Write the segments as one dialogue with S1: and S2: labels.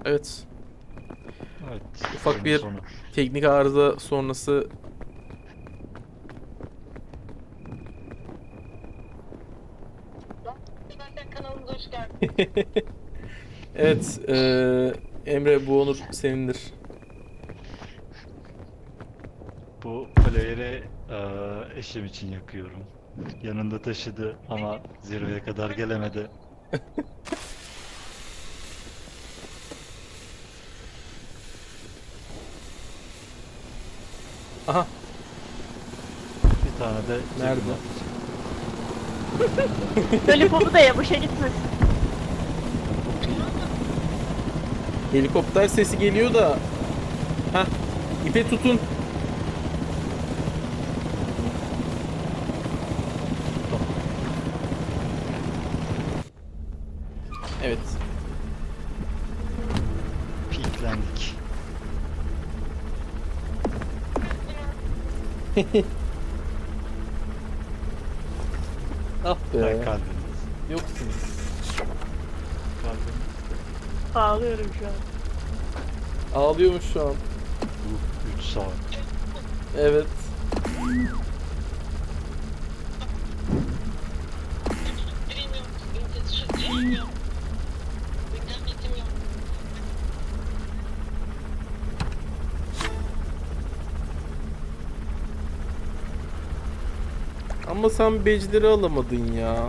S1: Evet.
S2: Evet.
S1: Ufak
S2: oyunun
S1: bir
S2: sonu.
S1: teknik arıza sonrası.
S3: Benden kanalımıza hoş geldin.
S1: Evet. Emre, bu onur senindir.
S2: Bu player'e eşim için yakıyorum. Yanında taşıdı ama zirveye kadar gelemedi.
S1: Aha.
S2: Bir tane de
S1: Nerede?
S2: cebime atacağım.
S4: Lollipop'u da ya boşa gitmesin.
S1: Helikopter sesi geliyor da. Hah. İpe tutun. Evet.
S2: Piklendik.
S1: Ah
S2: Hay
S1: be.
S2: kalbimiz.
S1: Yoksun.
S2: Kalbimiz.
S4: Ağlıyorum şu an.
S1: Ağlıyormuş şu an.
S2: Bu 3 saat.
S1: Evet.
S3: Bilmiyorum. Bilmiyorum. İnternetim yok.
S1: Ama sen becleri alamadın ya.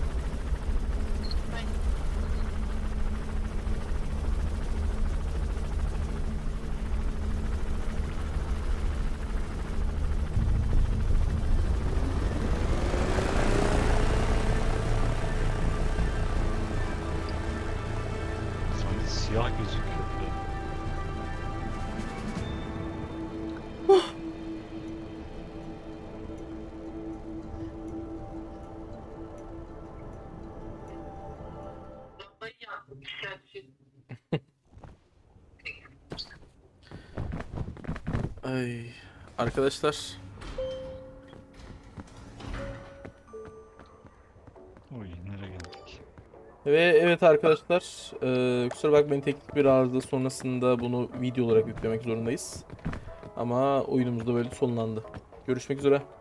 S2: Sanki siyah gözüküyor.
S3: Vallahi ya. Güzel.
S1: Ay. Arkadaşlar.
S2: Oy nereye geldik?
S1: Ve evet arkadaşlar. Kusura bakmayın, teknik bir arıza sonrasında bunu video olarak yüklemek zorundayız. Ama oyunumuz da böyle sonlandı. Görüşmek üzere.